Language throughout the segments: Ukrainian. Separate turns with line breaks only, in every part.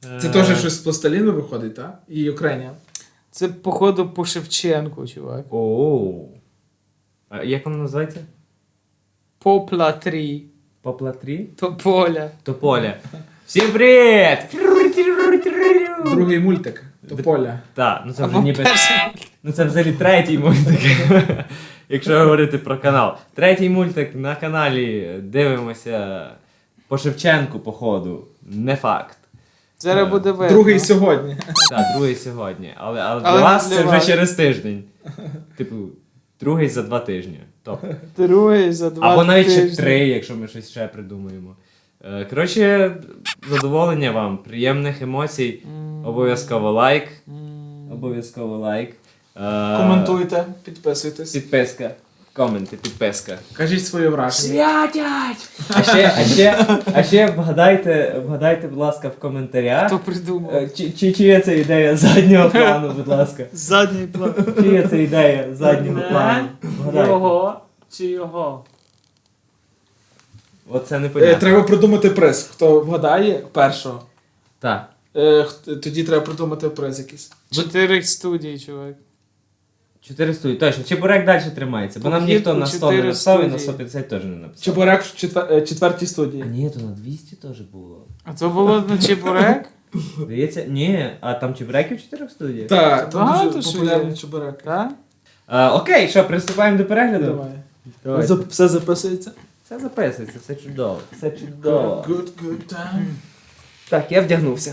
Це теж щось з пластиліну виходить, так? І Україна.
Це, походу, по Шевченку, чувак.
Оу. А як воно називається?
Попла 3.
Попла 3?
Тополя.
Тополя. Всім привіт!
Другий мультик. Тополя.
Так, ну це вже
Або
ніби...
перший.
Ну це взагалі третій мультик. Якщо говорити про канал. Третій мультик на каналі. Дивимося по Шевченку, походу. Не факт.
Зараз буде видно.
Другий сьогодні.
Так, другий сьогодні. Але для
Але
вас
не
це
для
вже
вас.
через тиждень. Типу, другий за 2 тижні. Тобто.
Другий за 2
Або навіть ще
тижні.
3, якщо ми щось ще придумаємо. Коротше, задоволення вам, приємних емоцій. Обов'язково лайк. Обов'язково лайк.
Коментуйте, підписуйтесь.
Підписка. Коменти, підписка.
Кажіть своє враження.
Святять! А ще вгадайте, будь ласка, в коментарях.
Хто придумав?
Чия це ідея заднього плану, будь ласка.
Задній план.
Чия це ідея заднього плану? Вгадайте.
Його чи його?
Оце не понятно.
Треба придумати приз. Хто вгадає першого,
Так.
тоді треба придумати приз якийсь.
4 студії, чувак.
4 студії, точно. Чебурек далі тримається, бо нам
Вхід
ніхто
у
на 100 не
4
написав і на
студії.
150 теж не написав.
Чебурек в четвертій студії.
А ні, то на 200 теж було.
А це було на чебурек?
Здається, ні, а там чебуреків 4 студіях?
Так, там
Багато
дуже
що
популярний
є.
чебурек.
Так?
Окей, що, приступаємо до перегляду?
Давай.
Давайте.
Все записується?
Все записується, все чудово. Все чудово.
Good time.
Так, я вдягнувся.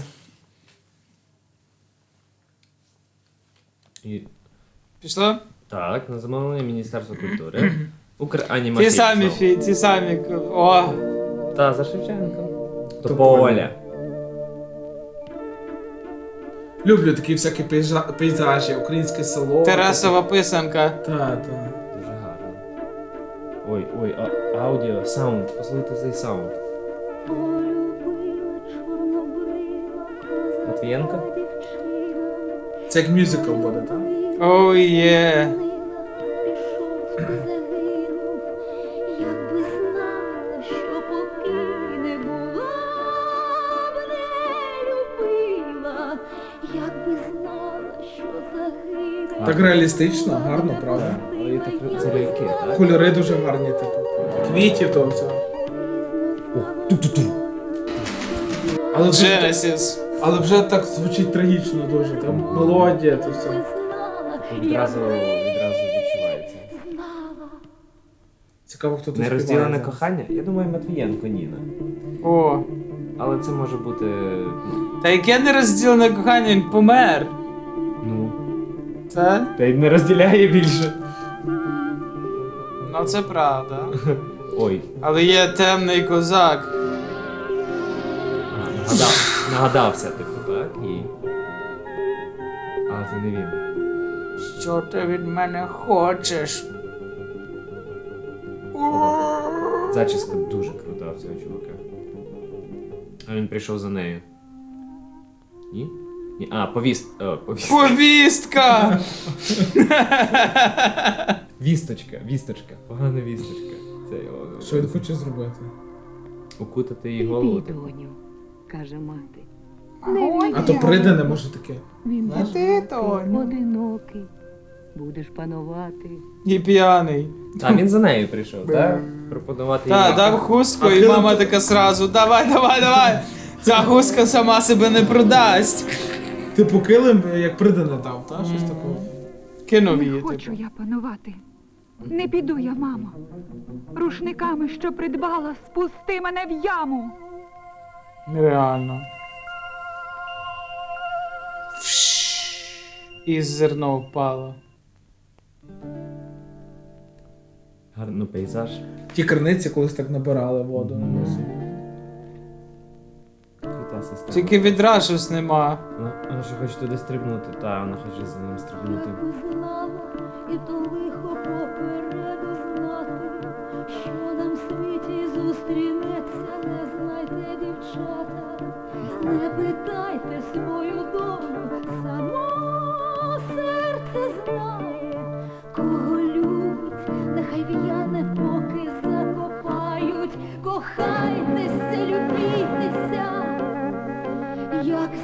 І...
Пішло?
Так, на замовлення Міністерства культури. Укранімації.
Ті самі. О!
Та, за Шевченком. Тополя.
Люблю такі всякі пейзажі, українське село.
Тарасова писанка.
Так.
Дуже гарно. Ой, аудіо, саунд. Послухайте цей саунд. Матвієнко?
Це як мюзикл буде, так?
Оу є.
Якби знала, що поки не була, б не любила, якби знала, що загине.
Так реалістично, гарно, правда?
Але є так це ляльки, так?
Кольори дуже гарні, типу. Квітів то все. Але вже так звучить трагічно дуже. Там мелодія, то все.
Відразу відчувається.
Цікаво, хто тут
Нерозділене
співає.
кохання? Я думаю, Матвієнко Ніна.
О.
Але це може бути.
Та яке нерозділене кохання, він помер.
Ну.
Це?
Та й не розділяє більше.
Ну це правда.
Ой.
Але є темний козак.
Нагадався, типу, так? І. Але це не він.
Що ти від мене хочеш?
Зачіска дуже крута в цього чувака. А він прийшов за нею. Ні? Ні. А, повістка.
Повістка!
Вісточка. Погана вісточка. Це його.
Що він хоче зробити?
Укутати її голову.
Ти, доню, каже мати.
А то прийде не може таке.
Він
А ти, Тоню.
одинокий. Будеш панувати.
І п'яний.
А він за нею прийшов, так? Пропонувати їй.
Та, дав хустку,
А
і
кинути-
мама така сразу: давай. Ця хустка сама себе не продасть.
Типу килим, як прийде не дав, так? Щось такого.
Кинув
Не
її,
хочу
типу.
я панувати. Не піду я, мамо. Рушниками, що придбала, спусти мене в яму.
Нереально. І зерно впало.
Гарний пейзаж.
Ті криниці колись так набирали воду.
Крута система.
Тільки відра щось нема.
Вона ще хоче туди стрибнути, та вона хоче за ним стрибнути.
Якби знала, і то лихо попереду знати, що нам в світі зустрінеться, не знайте, дівчата. Не питайте свою долю, само серце знає, кого любить, нехай в'яне, поки закопають. Кохайтеся, любітеся, як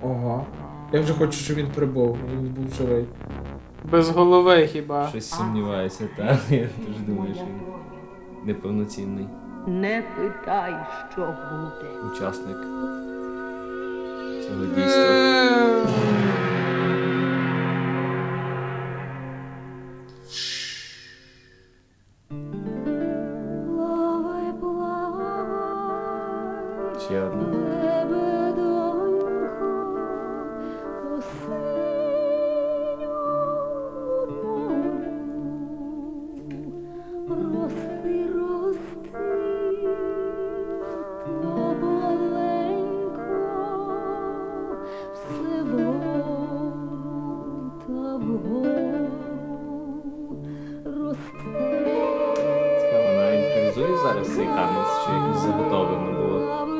Ого. Я вже хочу, щоб він прибув, він був живий.
Без голови хіба.
Щось сумніваюся, так. Я теж думаю, що він неповноцінний
Не питай, що буде.
учасник цього дійства.
Плавай, плавай,
Ще одна.
лебедонько, по синьому морю. Рости, рости, помаленько, все вгору та вгору. Рости.
Цікаво, вона імпровізує зараз цей танець, чи якось заготовлено було?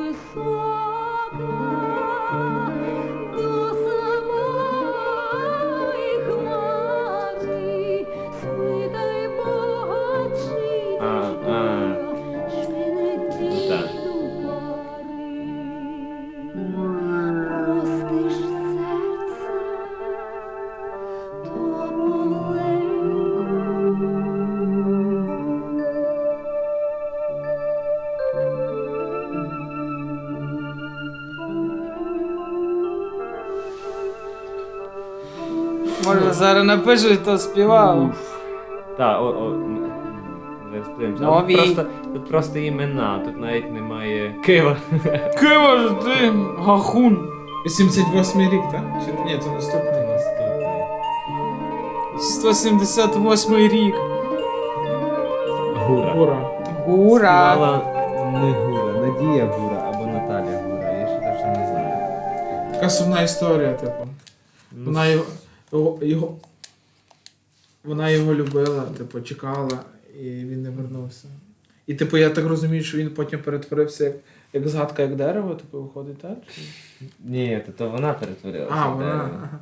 Так.
Простиш серце, то
Може зараз напишуть, хто співав.
Так, зараз подивимося. А
Нові.
тут просто імена, тут навіть немає Кива.
Кива ж ти, гахун.
88-й рік, так? Чи ні, це наступний.
178 рік.
Гура.
Ура.
Гура.
Співала не Гура, Надія Гура або Наталя Гура, я ще теж не знаю.
Така сумна історія, типу.
Ну,
Вона його любила, типу, чекала, і він не вернувся. І типу, я так розумію, що він потім перетворився як згадка, як дерево, типу, виходить, так? Чи-
Ні, то вона перетворилася.
А,
в
вона.
дерево.
Ага.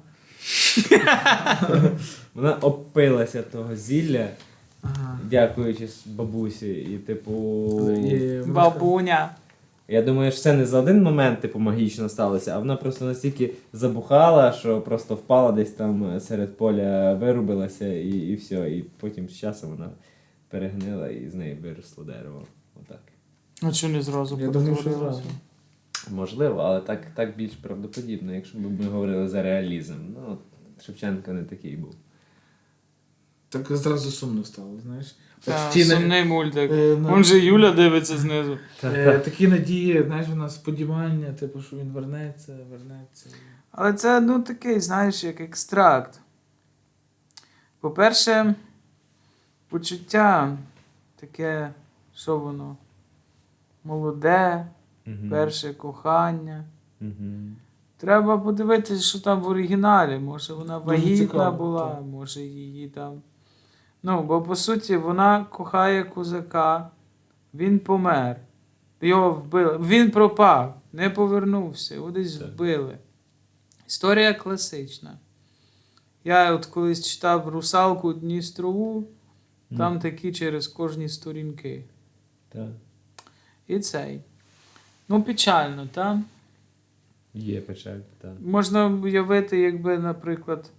Вона опилася того зілля,
Ага.
дякуючи бабусі, і типу.
І-
Бабуня.
Я думаю, що це не за один момент, типу, магічно сталося, а вона просто настільки забухала, що просто впала десь там серед поля, вирубилася і все. І потім з часом вона перегнила і з неї виросло дерево. Отак.
Ну чи не зразу
Я думаю, що
перетворилося?
зразу.
Можливо, але так більш правдоподібно, якщо б ми говорили за реалізм. Ну, от Шевченко не такий був.
Так зразу сумно стало, знаєш.
Та,
От ті на-
сумний мультик.
на-
Вон же Юля дивиться знизу.
такі надії, знаєш, вона сподівання, типу, що він вернеться.
Але це, ну, такий, знаєш, як екстракт. По-перше, почуття таке, що воно? Молоде, перше кохання. Треба подивитися, що там в оригіналі. Може вона вагітна
цікаво,
була,
так.
може її там. Ну, бо по суті вона кохає козака, він помер. Його вбили. Він пропав, не повернувся, його десь
Так.
вбили. Історія класична. Я от колись читав «Русалку Дністрову», там такі через кожні сторінки.
Так.
І цей. Ну, печально, так?
Є печаль, так.
Можна уявити, якби, наприклад,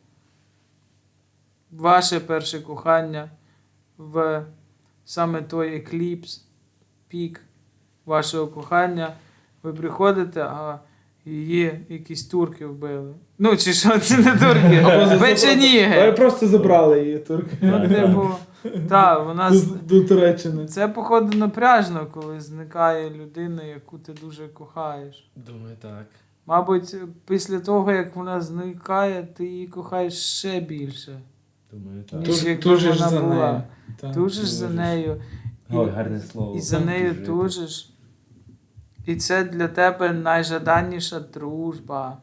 ваше перше кохання в саме той екліпс, пік вашого кохання, ви приходите, а її якісь турки вбили. Ну, чи що, це не турки,
Але
печеніги.
просто забрали її турки.
Ну, типу, так, вона...
До Туреччини.
Це, походу, напряжно, коли зникає людина, яку ти дуже кохаєш.
Думаю, так.
Мабуть, після того, як вона зникає, ти її кохаєш ще більше,
Думаю, так.
ніж якби
Тужиш
вона
за
була.
нею. Так.
Тужиш за нею.
Ой, гарне слово.
І за нею
Тужити.
тужиш. І це для тебе найжаданніша дружба.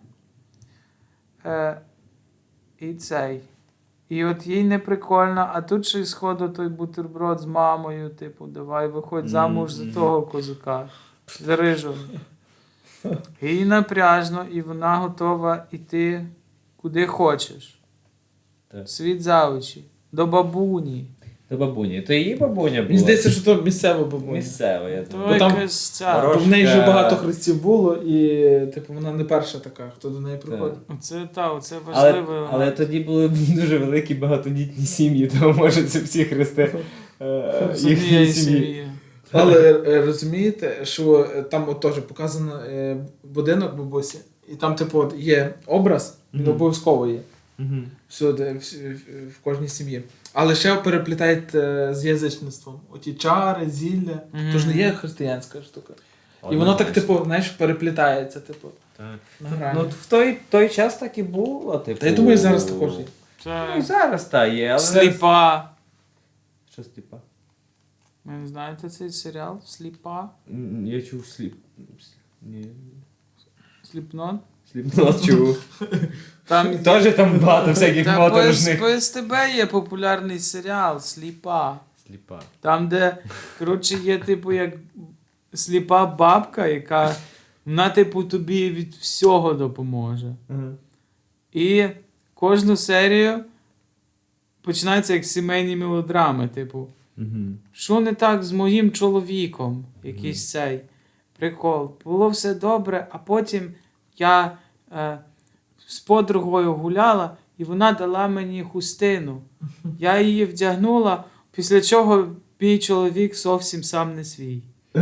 І цей. І от їй не прикольно, а тут ще й сходу той бутерброд з мамою, типу, давай виходь замуж за того козака, за рижого. Їй напряжно, і вона готова йти куди хочеш.
Так.
Світ за очі, до бабуні.
До бабуні. То її бабуня була.
Мені здається, що то місцева бабуня.
Місцева, я
То
думаю.
Бо там
якась ця.
Ворож-
Бо в неї вже
Трошки-
багато хрестів було, і типу вона не перша така, хто до неї приходить.
Оце
Але,
важливо.
але тоді були дуже великі багатодітні сім'ї, тому може це всі хрести
з
їхньої
однієї
сім'ї.
сім'ї.
Але розумієте, що там от теж показано будинок бабусі, і там, типу, от є образ, він
Мгм.
обов'язково є.
Мгм.
Всюди, в кожній сім'ї. Але ще переплітають з язичництвом. Оті чари, зілля.
Мгм.
То ж не є християнська штука. І воно
Однозначно.
так, типу, знаєш, переплітається, типу,
Так.
на грані.
Ну, в той час так і було, типу.
Та я думаю, зараз також є.
Ну, і
Це
зараз так є, але...
сліпа.
Що сліпа?
Ви не знаєте цей серіал? Сліпа?
Я чув Ні.
Сліпнот?
Сліпнот чув.
Там
Теж там багато всяких
Та
моторошних.
по СТБ є популярний серіал Сліпа.
Сліпа.
Там, де, коротше, є, типу, як сліпа бабка, яка вона, типу, тобі від всього допоможе. І кожну серію починається як сімейні мелодрами, типу. Що не так з моїм чоловіком? Якийсь цей прикол. Було все добре, а потім я з подругою гуляла, і вона дала мені хустину. Я її вдягнула, після чого мій чоловік зовсім сам не свій.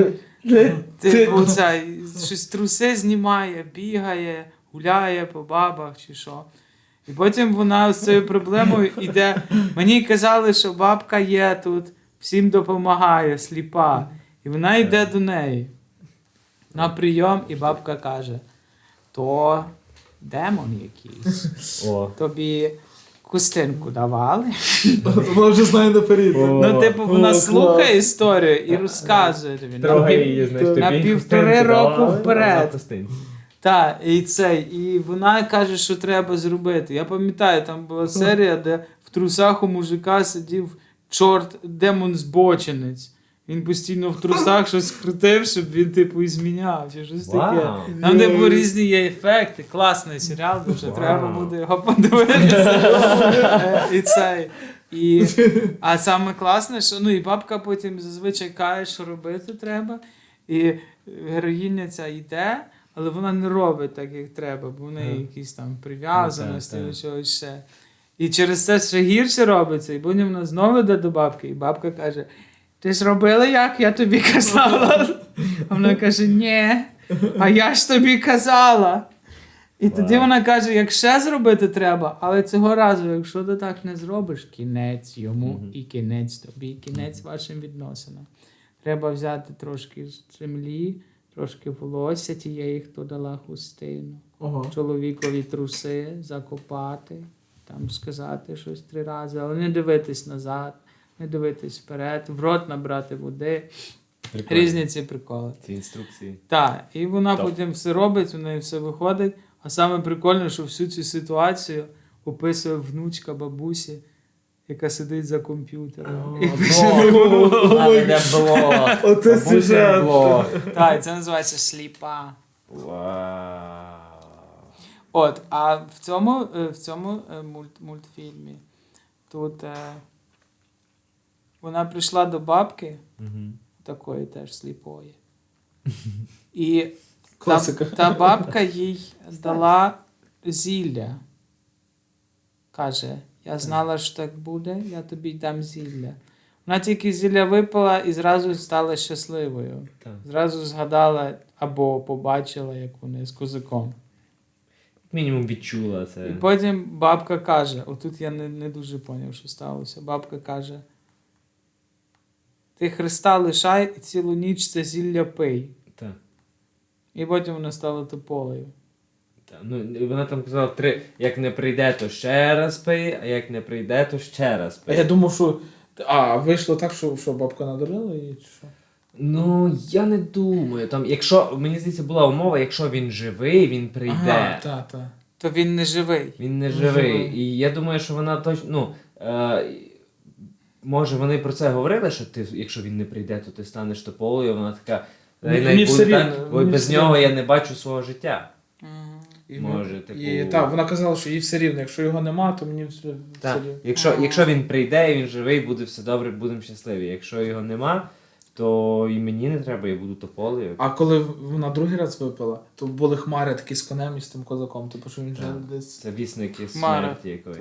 Типу, цей, щось труси знімає, бігає, гуляє по бабах чи що. І потім вона з цією проблемою йде. Мені казали, що бабка є тут, всім допомагає, сліпа. І вона йде до неї на прийом, і бабка каже: то демон якийсь.
О.
Тобі хустинку давали.
Вона вже знає наперед.
Ну, типу, вона
клас.
слухає історію і розказує тобі.
Трогай її, знаєш, тобі
на
хустинку
півтори року
дала,
вперед.
на хустинці.
Так, і вона каже, що треба зробити. Я пам'ятаю, там була серія, де в трусах у мужика сидів чорт, демон-збочинець. Він постійно в трусах щось крутив, щоб він, типу, і зміняв, чи щось таке.
Вау.
Там, типу, різні є ефекти. Класний серіал, дуже
Вау.
треба буде його подивитися. І цей. А саме класне, що і бабка потім зазвичай каже, що робити треба. І героїня ця йде, але вона не робить так, як треба, бо в неї якісь там прив'язаності
Ну,
до чогось ще. І через це ще гірше робиться, і потім вона знову йде до бабки, і бабка каже: ти ж робила, як я тобі казала? А вона каже: ні, а я ж тобі казала. І тоді вона каже: як ще зробити треба, але цього разу, якщо ти так не зробиш, кінець йому і кінець тобі, кінець вашим відносинам. Треба взяти трошки землі, трошки волосся тієї, хто дала хустину,
Ого.
чоловікові труси, закопати, там сказати щось 3 рази, але не дивитись назад, не дивитись вперед, в рот набрати води.
Прикольно.
Різні ці приколи.
Ці інструкції.
Так, і вона
Топ.
потім все робить, у неї все виходить. А саме прикольне, що всю цю ситуацію описує внучка бабусі, яка сидить за комп'ютером. І
Де було.
Оце сюжет.
Так, це називається сліпа.
Вау.
От, а в цьому мультфільмі тут вона прийшла до бабки, такої теж сліпої. І
Класика.
та бабка їй дала зілля. Каже: я знала, що так буде, я тобі дам зілля. Вона тільки зілля випила і зразу стала щасливою.
Так.
Зразу згадала або побачила, як вони з козаком.
Мінімум відчула це.
І потім бабка каже, отут я не дуже поняв, що сталося. Бабка каже: ти Христа лишай і цілу ніч це зілля пий.
Так.
І потім вона стала тополею.
Так. Ну, вона там казала, як не прийде, то ще раз пий, а як не прийде, то ще раз
А
пий.
я думав, що. Вийшло так, що бабка надурила її, чи що?
Ну, я не думаю. Там, якщо, мені здається, була умова, якщо він живий, він прийде.
Ага, так.
То він не живий.
Він не живий. І я думаю, що вона точно. Може, вони про це говорили, що ти, якщо він не прийде, то ти станеш тополею. Вона така.
Мені все рівно,
Бо
мені
без
все
нього
рівно.
я не бачу свого життя. може, типу...
І так, вона казала, що їй все рівно, якщо його нема, то мені все
Так,
рівно.
якщо він прийде і він живий, буде все добре, будемо щасливі. Якщо його нема, то і мені не треба, я буду тополею.
А коли вона другий раз випила, то були хмари такі з конем і з тим козаком, типу, що він вже
Так.
десь
Це вісники
Хмара.
смерті якоїсь.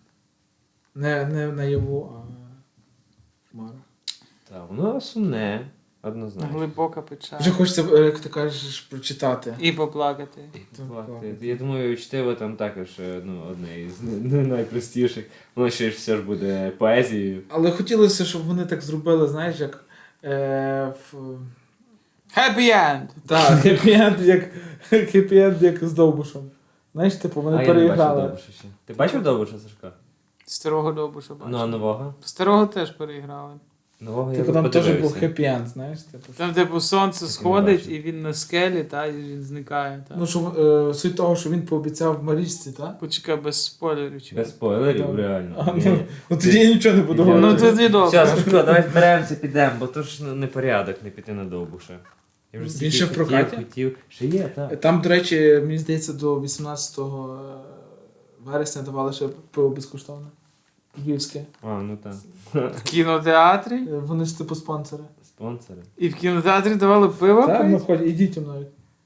не наяву, а хмара.
Так, воно сумне, однозначно.
Глибока печаль.
Вже хочеться, як ти кажеш, прочитати.
І поплакати.
Я думаю, чтиво там також одне із найпростіших. Воно ще ж все ж буде поезією.
Але хотілося, щоб вони так зробили, знаєш, як в...
Happy end!
Так, хеппі-енд, як з Довбушем. Знаєш, типу, вони
А я не бачив
переіграли.
Довбуша ще. Ти бачив Довбуша, Сашко?
Старого Довбуша бачив.
Ну, а нового?
Старого теж переіграли.
Нового
Типу
я
там теж
подивився.
був хеппі-енд, знаєш, типу.
Там, типу, сонце
не
сходить,
бачив.
і він на скелі, та, і він зникає. Та.
Ну, що суть того, що він пообіцяв Марічці, так?
Почекай, без спойлерів. чувак.
Без спойлерів,
Так.
реально.
А, ну тоді я нічого не буду
Я-
Ну,
говорити.
тоді добре.
Все, Сашко, давай зберемося, підемо, бо то ж не порядок не піти на Довбуша. Я вже
Він
стільки
ще в прокаті?
хотів. Ще є, так.
Там, до речі, мені здається, до 18 вересня давали ще пиво безкоштовне. Львівське.
А, ну так.
В кінотеатрі.
Вони ж типу спонсори.
Спонсори.
І в кінотеатрі давали пиво
Так, ну
пити?
хоч і дітям навіть.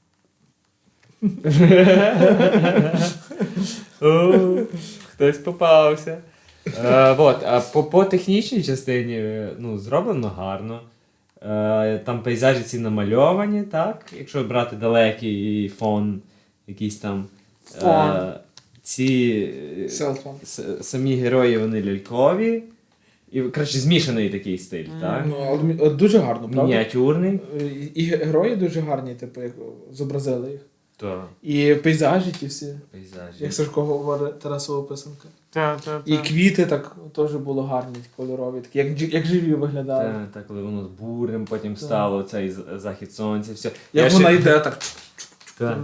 О, хтось попався. Вот, а по технічній частині зроблено гарно. Там пейзажі ці намальовані, так? Якщо брати далекий фон, якийсь там.
Фон.
Ці
Селфон.
самі герої вони лялькові. І, коротше, змішаний такий стиль, так?
Ну, але дуже гарно, правда?
Мініатюрний.
І герої дуже гарні, типу, як зобразили їх.
Так.
І пейзажі ті всі.
Пейзажі.
Як Сашко говорить, Тарасова писанка.
Так.
І квіти так теж було гарні, кольорові, такі, як живі виглядали.
Так, коли воно з бурем потім стало, цей захід сонця, все.
Як вона йде так.
Так.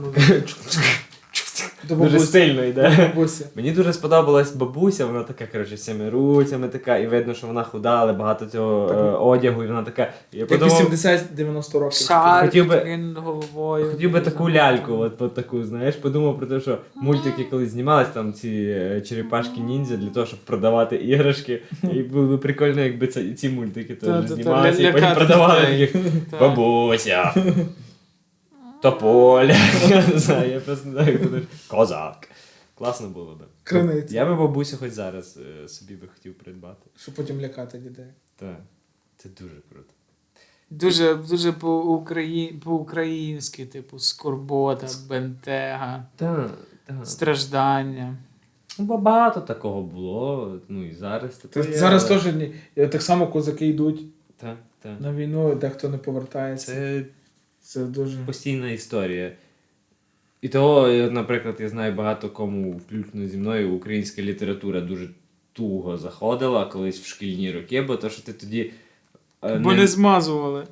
До
Дуже
бабусі.
стильно йде.
Бабусі.
Мені дуже сподобалась бабуся, вона така, коротше, з цими руцями така, і видно, що вона худа, але багато цього одягу, і вона така. Я
Як
подумав,
80-90 років.
Шар
Хотів би-
такий головою.
хотів би таку ляльку, от таку, знаєш, подумав про те, що мультики колись знімались, там ці черепашки ніндзя для того, щоб продавати іграшки. І було б прикольно, якби ці мультики теж
Та-та-та,
знімалися, і потім
лякати
продавали
дітей.
їх.
Так.
Бабуся. Тополя. Я не знаю, я просто не знаю, як буде. Козак. Класно було б.
Криниця.
Я би бабусю хоч зараз собі би хотів придбати.
Щоб потім лякати дітей.
Так. Це дуже круто.
Дуже по-українськи, типу, скорбота, бентега,
Так, так.
страждання.
Ну, багато такого було, ну і зараз.
Та зараз теж так само козаки йдуть
Так, так.
на війну, дехто не повертається.
Це
Це дуже.
постійна історія. І того, наприклад, я знаю багато кому, включно зі мною, українська література дуже туго заходила колись в шкільні роки, бо то, що ти тоді
Бо не змазували.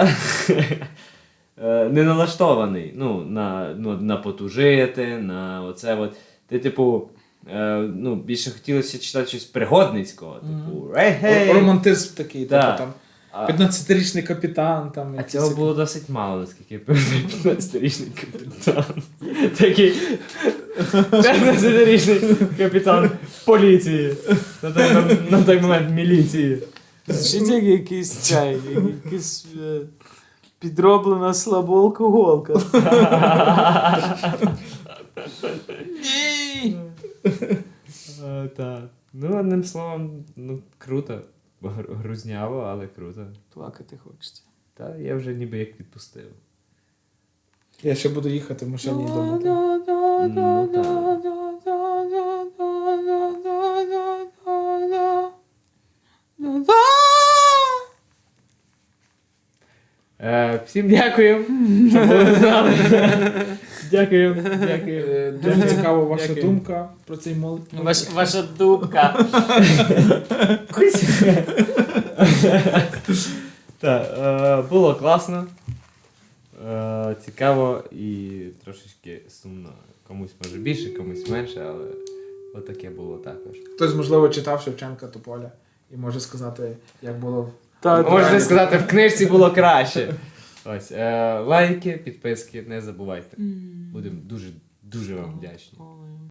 не налаштований на потужити, на оце от. Ти, типу, більше хотілося читати щось пригодницького. Типу, гей!
Романтизм такий,
Да.
типу там 15-річний капітан. Там,
А
якісь
цього
такі.
було досить мало, наскільки я пам'ятаю, 15-річний капітан. Такий 15-річний капітан поліції. На той момент міліції.
Звучить як якийсь підроблена слабоалкоголка. Ні!
Так. Ну, одним словом, круто. Грузняво, але круто.
Плакати хочеться.
Та я вже ніби як відпустив.
Я ще буду їхати в машині вдома.
Ну, так. Всім дякую, що були з нами. Дякую.
Дуже цікава ваша
Дякую.
думка про цей
Ваша дубка.
Так, було класно, цікаво і трошечки сумно. Комусь може більше, комусь менше, але отаке було також.
Хтось, можливо, читав Шевченка Тополя і може сказати, як було.
Можна сказати, в книжці було краще. Ось, лайки, підписки, не забувайте. Будемо дуже Дуже вам вдячні.
Ой.